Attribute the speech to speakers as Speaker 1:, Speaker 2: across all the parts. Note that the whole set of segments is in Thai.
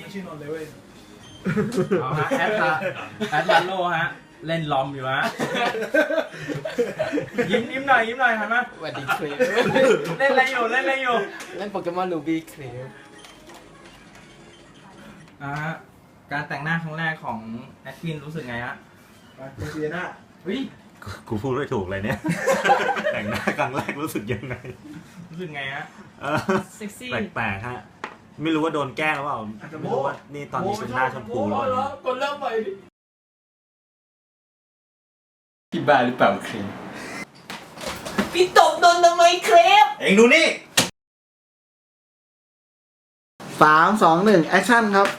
Speaker 1: ชื่อนนท์เลยเว้ย
Speaker 2: เอาฮะแอดลาโลฮะเล่นลอมอยู่ฮะยิ้มหน่อยหันมา
Speaker 3: สวัสดีคลิป
Speaker 2: เล่นอะไรอยู่เ
Speaker 3: เล่นโปเกมอนลูบี้คลิป
Speaker 2: ฮะการแต่งหน้าครั้งแรกของแอดวินรู้สึกไงฮะ
Speaker 1: ไปเซียน่า
Speaker 2: เฮ้ย
Speaker 4: กูพูดไม่ถูกเลยเนี่ย แต่งหน้าครั้งแรกรู้สึกยังไง
Speaker 2: รู้สึกไงฮะ
Speaker 5: เซ็กซี่
Speaker 4: แปลกๆฮะไม่รู้ว่าโดนแกล้งหรือเปล่าไม่รู้ว่านี่ตอนนี้เป็นหน้าชมพูแล้ว
Speaker 3: คนเริ่มใหม่ดิพี่บ้าหรือเปล่าคลิปพี่ตบโดนทำไมคลิป
Speaker 4: เอ็งดูนี่
Speaker 1: 3 2 1แอคชั่นครับ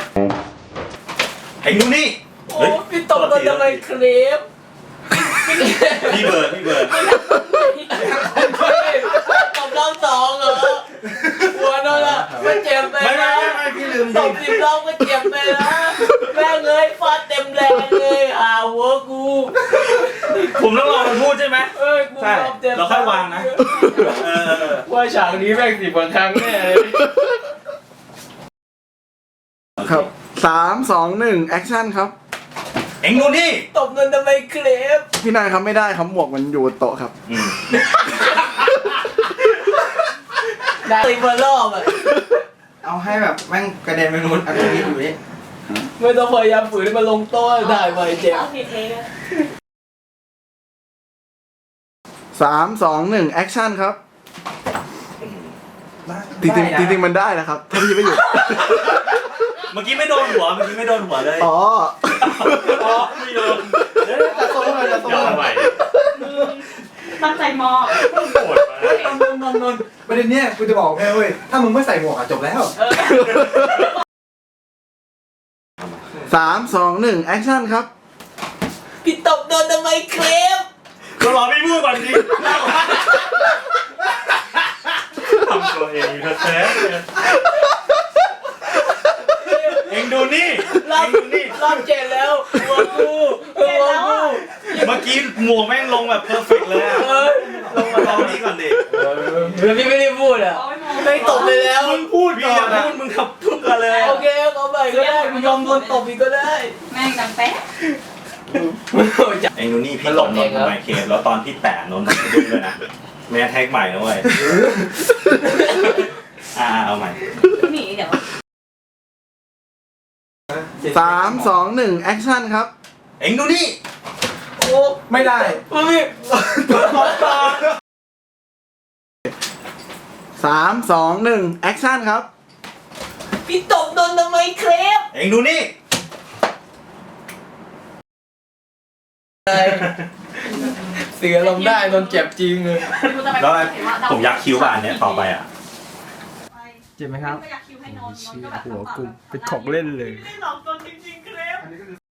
Speaker 4: เอ็งดูนี่
Speaker 3: โอ้พี่ตบโดนทำไมคลิป
Speaker 4: พี่เบิร์ด
Speaker 3: ตบรอบสองเหรอหัวโดนละมันเจ็บไปนะ
Speaker 4: ไม่พี่ลืม
Speaker 3: ต
Speaker 4: ดิ
Speaker 3: บ10 รอบก็เจ็บไปนะแม่งเลยฟาดเต็มแรงเลยหัวกู
Speaker 4: ผมต้องรอมันพูดใช่ไหม
Speaker 3: เอ้ยกู
Speaker 4: ใช่
Speaker 3: รอบเต็ม
Speaker 4: เราค่อยวางนะ
Speaker 3: ว่าฉากนี้แม่ง10 กว่าครั้งแน่เลย
Speaker 1: ครับ 3 2 1แอคชั่นครับ
Speaker 4: เอ็งดูนี่
Speaker 3: ตบโดนทำไมคลิป
Speaker 1: พี่นายครับไม่ได้ครับหมวกมันอยู่บนโต๊ะครับ
Speaker 3: ได้10 รอบอ่ะ
Speaker 2: เอาให้แบบแม่งกระเด็นไปนู้นอันนี้อยู่นี่
Speaker 3: ไม่ต้องพยายามฝืนให้มันลงโต๊ะได้ไหมเจ็บ
Speaker 5: เอาผิดเองอะ
Speaker 1: 3 2 1แอคชั่นครับจริงๆมันได้นะครับถ้าพี่ไม่หยุด
Speaker 4: เมื่อกี้ไม่โดนหัวเลย
Speaker 1: อ๋อ
Speaker 4: ไม่โดน
Speaker 1: จะโซ่เลยจะโซ่
Speaker 4: ย้อนไป
Speaker 5: ตั้งใจมอง
Speaker 4: โหดมาก
Speaker 1: นนประเด็นเนี้ยกูจะบอกแค่เว้ยถ้ามึงไม่ใส่หมวกอะจบแล้ว3 2 1แอคชั่นครับ
Speaker 3: พี่ตบโดนทำไมคลิป
Speaker 4: ก็รอพี่พูดก่อนดิทำตัวเองแท้ๆเอ็งดูนี่
Speaker 3: รอบเจ็บแล้วหัวกูหัวกู
Speaker 4: เมื่อกี้หมวกแม่งลงแบบเพอร์เฟกต์เลยอะลงมาลองนี่ก่อนดิ
Speaker 3: แล้วพี่ไม่ได้พูดอ่ะ
Speaker 5: เอาไว้มอง
Speaker 3: ไม่ตบไปแล้ว
Speaker 4: มึงพูดก่อนนะมึงขับทุกกันเลย
Speaker 3: โอเคเอาไปก็ได้กูยอมโดนตบอีกก็ได้
Speaker 5: แม่งดังแป๊ะ
Speaker 4: เอ็งดูนี่พี่ตบนนท์ไมเคแล้วตอนพี่แตะนนท์ดุ้งเลยนะแม่แท็กใหม่นะเว้ยเอาใหม่
Speaker 5: หนีเดี๋ยว
Speaker 1: 3 2 1แอคชั่นครับ
Speaker 4: เอ็งดูนี่
Speaker 3: โอ้
Speaker 1: ไม่ได้
Speaker 3: พี่
Speaker 1: 3 2 1แอคชั่นครับ
Speaker 3: พี่ตบโดนทำไมคลิป
Speaker 4: เอ็งดูนี่
Speaker 3: เสือลงได้โดนเจ็บจริงเลย
Speaker 4: แล้วผมยักคิ้วบานเนี้ยต่อไปอ่ะ
Speaker 2: เจ็บไหมครับ
Speaker 5: ไม่อยากคิวให้นอน
Speaker 3: หัวกูเป็นของเล่นเลย
Speaker 5: ไม่ได้หลอกตนจริงๆครับ